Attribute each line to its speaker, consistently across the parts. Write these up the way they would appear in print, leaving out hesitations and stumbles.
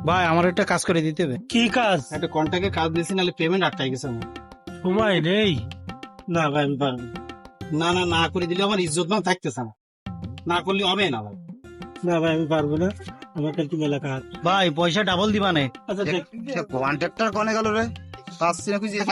Speaker 1: ভাই আমার একটা কাজ করে দিতে হবে।
Speaker 2: কি কাজ?
Speaker 1: একটা কন্ট্রাক্টে কাজ দিয়েছি, নাহলে পেমেন্ট আটকাই গেছে আমার।
Speaker 2: সময় নেই। না ভাই আমি পারবো না।
Speaker 1: না না, না করে দিলে আমার ইজ্জত মান থাকতেছে না, না করলে হবে না ভাই।
Speaker 2: না ভাই আমি পারবো না, আমার কাছে মেলা কাজ।
Speaker 1: ভাই পয়সা ডাবল দিবা নে।
Speaker 2: আচ্ছা দেখ,
Speaker 3: কন্ট্রাক্টর কনে গেল রে? পাচ্ছি না খুঁজে।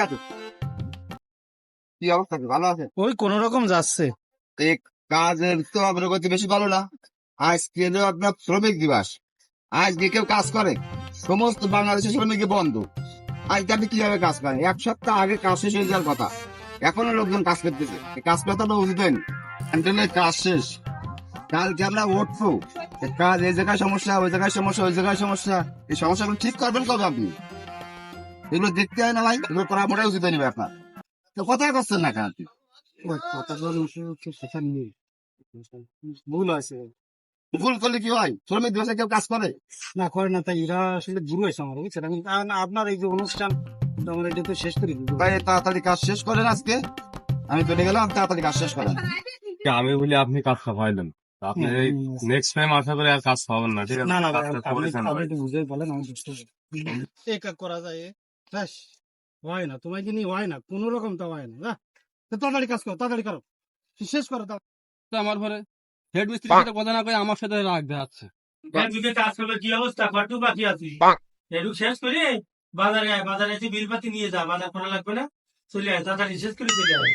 Speaker 3: কি অবস্থা, ভালো আছে?
Speaker 1: ওই কোন রকম যাচ্ছে।
Speaker 3: এক কাজের তো অগ্রগতি বেশি ভালো না। আজকে হলো আপনার শ্রমিক দিবস। আজকে কেউ কাজ করে? সমস্ত বাংলাদেশের শ্রমিক বন্ধ। আজকে আপনি কিভাবে কাজ করেন? এক সপ্তাহ আগে কাজ শেষ হয়ে যাওয়ার কথা, এখনো লোকজন কাজ করতেছে। এই কাজ করতে তো উচিত হয়নি। ক্যান্টিনের কাজ শেষ, কালকে আমরা উঠবো। কাজ এই জায়গায় সমস্যা, ওই জায়গায় সমস্যা, ওই জায়গায় সমস্যা। এই সমস্যাগুলো ঠিক করবেন কবে আপনি? এগুলো দেখতে হয় না ভাই, এগুলো করা মোটাই উচিত হয়নি ভাই আপনার। তো কথাই করছেন না কেন আপনি?
Speaker 1: ভুল আছে।
Speaker 3: ভুল করলে কি হয়? শ্রমিক দিবসে কেউ কাজ করে?
Speaker 1: না করে না, তাই এরা আসলে গুরু হয়েছে আমার, বুঝছেন? আমি আপনার এই যে অনুষ্ঠান, আমার এটা তো শেষ করে দিব।
Speaker 3: ভাই তাড়াতাড়ি কাজ শেষ করেন আজকে। আমি চলে গেলাম, তাড়াতাড়ি কাজ শেষ করেন।
Speaker 4: আমি বলি আপনি কাজটা পাইলেন, আপনি নেক্সট টাইম আশা করি আর কাজ পাবেন না, ঠিক আছে?
Speaker 1: না না ভাই,
Speaker 4: কাজটা
Speaker 1: আপনি
Speaker 4: করেছেন
Speaker 1: আপনি
Speaker 4: ভাই।
Speaker 1: একটু বুঝে বলেন, আমি বুঝতে পারি। এই কাজ করা যায় ব্যাস, হয় না তোমায় কি নিয়ে হয় না, কোন রকম তো হয় না। না তো তাড়াতাড়ি কাজ করো, তাড়াতাড়ি করো, শেষ করো।
Speaker 4: আমার পরে হেড মিস্ত্রির সাথে কথা না কয়ে আমার সাথে রাগ দেখাচ্ছে।
Speaker 2: একদিকে কাজ করলে কি অবস্থা, কটু বাকি আছি। এটুক শেষ করে বাজারে আয়, বাজারে এসে বিলপাতি নিয়ে যা, বাজার করা লাগবে না, চলে আয় তাড়াতাড়ি শেষ করে চলে আয়।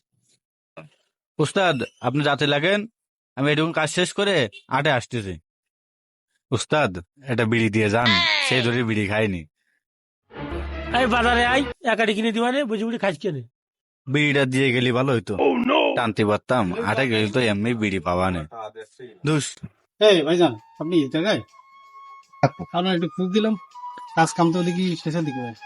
Speaker 5: উস্তাদ, আপনি রাতে লাগেন, আমি এটুকু কাজ শেষ করে আটে আসতেছি। উস্তাদ, এটা বিড়ি দিয়ে যান, সেই ধরে বিড়ি খাইনি।
Speaker 2: এই বাজারে আয়, একাটি কিনে দিবা নে, বুঝি বুঝি খাইছ কেনে।
Speaker 5: বিড়িটা দিয়ে গেলি ভালো হইতো, টানতে পারতাম। আটে গেলে তো এমনি বিড়ি পাওয়া নেই। দুস
Speaker 1: এই ভাইজান, আপনি এই জায়গায় আপনার একটু খোঁজ দিলাম, কাজ কাম তো দেখি শেষের দিকে ভাই,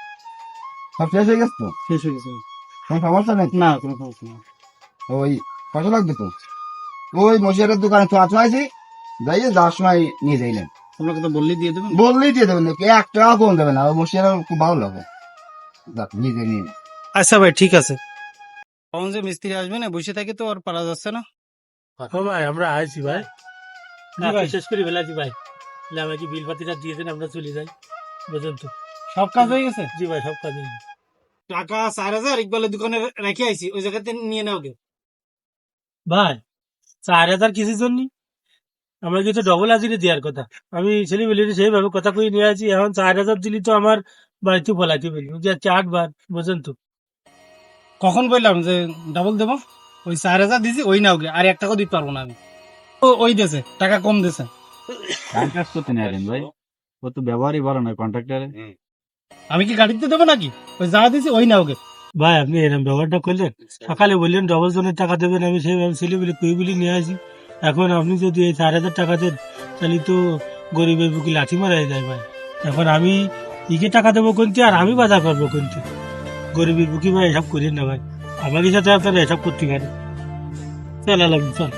Speaker 3: সব শেষ হয়ে গেছে তো?
Speaker 1: শেষ হয়ে গেছে।
Speaker 3: কোনো সমস্যা নেই?
Speaker 1: না কোনো সমস্যা নেই।
Speaker 3: ওই কত লাগবে তো? ওই মশিয়ারের দোকানে তো আছে, যাইয়ে যাওয়ার সময় নিয়ে যাইলেন।
Speaker 1: আপনাকে তো বললেই দিয়ে দেবেন।
Speaker 3: বললেই দিয়ে দেবেন, নাকি 1 টাকা কম দেবে না। ওই মশিয়ারের খুব ভালো লাগে, যাক নিজে নিয়ে নিন।
Speaker 1: আচ্ছা ভাই ঠিক আছে। কখন যে মিস্ত্রি আসবে না, বসে থাকে তো আর পারা যাচ্ছে না।
Speaker 2: ও ভাই আমরা আইছি ভাই,
Speaker 1: জি ভাই।
Speaker 2: শেষ করে ফেলাছি ভাই। তাহলে আমাকে বিলপাতিটা দিয়ে দেন, আমরা চলে যাই। বুঝলেন তো?
Speaker 1: সব কাজ হয়ে গেছে।
Speaker 2: জি ভাই সব কাজ হয়ে গেছে।
Speaker 1: টাকা 4,000 ইকবালের দোকানে রেখে আইছি, ওই জায়গাতে নিয়ে নাও গে।
Speaker 2: ভাই 4,000 কিসের জন্য? আমরা কিন্তু ডবল হাজিরে দেওয়ার কথা। আমি ছেলে বলি সেইভাবে কথা কই নিয়ে আছি, এখন 4,000 দিলি তো আমার বাড়িতে বলাইতে বলি যে 4 বার, বুঝলেন তো?
Speaker 1: কখন বললাম যে ডাবল দেবো? ওই 4,000 দিছি, ওই নাও গে, আর 1 টাকাও দিতে পারবো না আমি। ওই দেছে টাকা কম দেছে।
Speaker 5: কাজ করতে নেই ভাই, ও তো ব্যবহারই ভালো নয় কন্ট্রাক্টরে।
Speaker 1: আমি কি গাড়িতে দেবো নাকি? ওই যা দিছি ওই নাও গে।
Speaker 2: ভাই আপনি এরকম ব্যবহারটা করলেন, সকালে বললেন ডবল জনের টাকা দেবেন, আমি সেইভাবে ছেলে বলে কই বলি নিয়ে আসি। এখন আপনি যদি এই 4,000 টাকা দেন, তাহলে তো গরিবের বুকে লাঠি মারাই যায় ভাই। এখন আমি ইকে টাকা দেবো কোনটি, আর আমি বাজার করবো কোনটি? গরিবের বুকে ভাই এসব করেন না ভাই, আমাদের সাথে আপনারা এসব করতে পারেন। চল আলাম চল।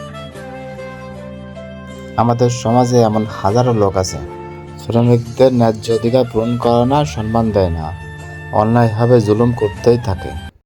Speaker 6: আমাদের সমাজে এমন হাজারো লোক আছে, শ্রমিকদের ন্যায্য অধিকার পূরণ করে না, সম্মান দেয় না, অন্যায়ভাবে জুলুম করতেই থাকে।